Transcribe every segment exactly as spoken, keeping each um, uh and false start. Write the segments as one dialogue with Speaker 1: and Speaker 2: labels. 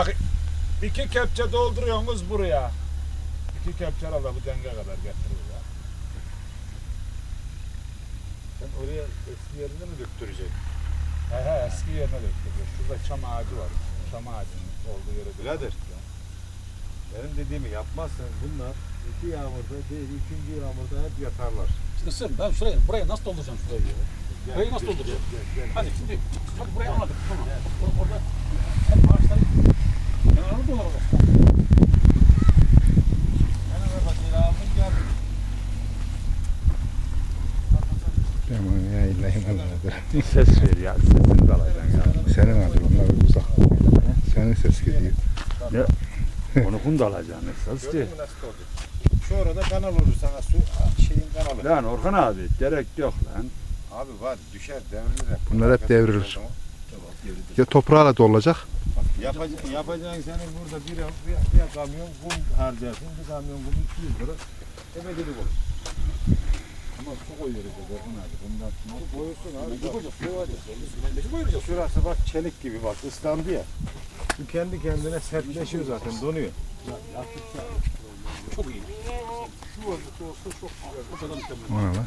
Speaker 1: İki kepçe dolduruyorsunuz buraya. İki kepçe herhalde bu denge kadar getirir ya.
Speaker 2: Sen oraya eski yerine mi döktüreceksin?
Speaker 1: He he eski yerine döktürüyor. Şurada çam ağacı var. Çam ağacının olduğu yere döktürüyor.
Speaker 2: Birader. Benim dediğimi yapmazsan bunlar iki yağmurda değil, üçüncü yağmurda hep yatarlar.
Speaker 3: İşte sır ben şuraya, buraya nasıl dolduracağım şurayı ya? Burayı nasıl dolduracağım?
Speaker 2: Gel, gel,
Speaker 3: Hadi şimdi, hadi burayı anladık. Tamam. Or- Orada hep ağaçları kenarını dolduralım.
Speaker 2: Hemen ver bakayım aldın gel.
Speaker 4: Tamam ya illa inanmadır.
Speaker 1: Ses ver ya. Sesini de alacaksın ya.
Speaker 4: Senin adı onlar uzak. Senin ses gidiyor.
Speaker 1: Onu kum da alacaksın esas
Speaker 2: Gördün mü nasıl oldu? Şu orada kanal olur sana su şeyin kanalı.
Speaker 1: Lan Orhan abi gerek yok lan.
Speaker 2: Abi var düşer devrilir.
Speaker 4: Bunlar hep devrilir. Ya toprağla da olacak.
Speaker 2: Yapacağın, yapacağın senin burada bir, bir, bir kamyon kum harcarsın, bir kamyon kum iki yüz lira. Emeklilik olur.
Speaker 1: Ama su koyuyoruz ya Orhan abi. Bundan sonra
Speaker 2: Koyuyorsun abi.
Speaker 3: Ne koyacağız? Ne koyacağız? Ne koyacağız?
Speaker 2: Şurası bak çelik gibi bak ıslandı ya. Bu kendi kendine sertleşiyor zaten donuyor.
Speaker 3: Çok iyi. Şu vaziyette olsa çok o kadar mükemmel.
Speaker 4: O ne lan?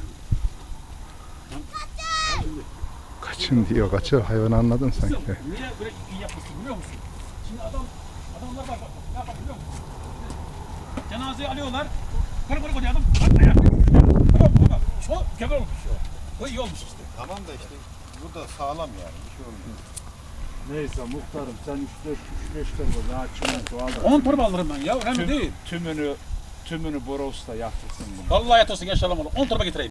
Speaker 4: Kaçın diyor kaçır. Hayvanı anladın sanki.
Speaker 3: Niye böyle iyi yapmışsın biliyor musun? Şimdi adam, adamlar bak bak ne yapar biliyor musun? Cenazeyi alıyorlar. Kırı kırı koyuyor adam. Bak ayağı. Tamam mı? Bak. Çok mükemmel olmuş ya. Bu iyi olmuş işte.
Speaker 2: Tamam da işte bu da sağlam yani bir şey olmuyor.
Speaker 1: neyse muhtarım sen üç dört üç beş torba daha çimento al da
Speaker 3: on torba alırım ben ya. Önemli değil.
Speaker 1: tümünü tümünü Boros'ta yaptırsın bunu.
Speaker 3: Vallahi yat olsun gençler alamadım. on torba getireyim.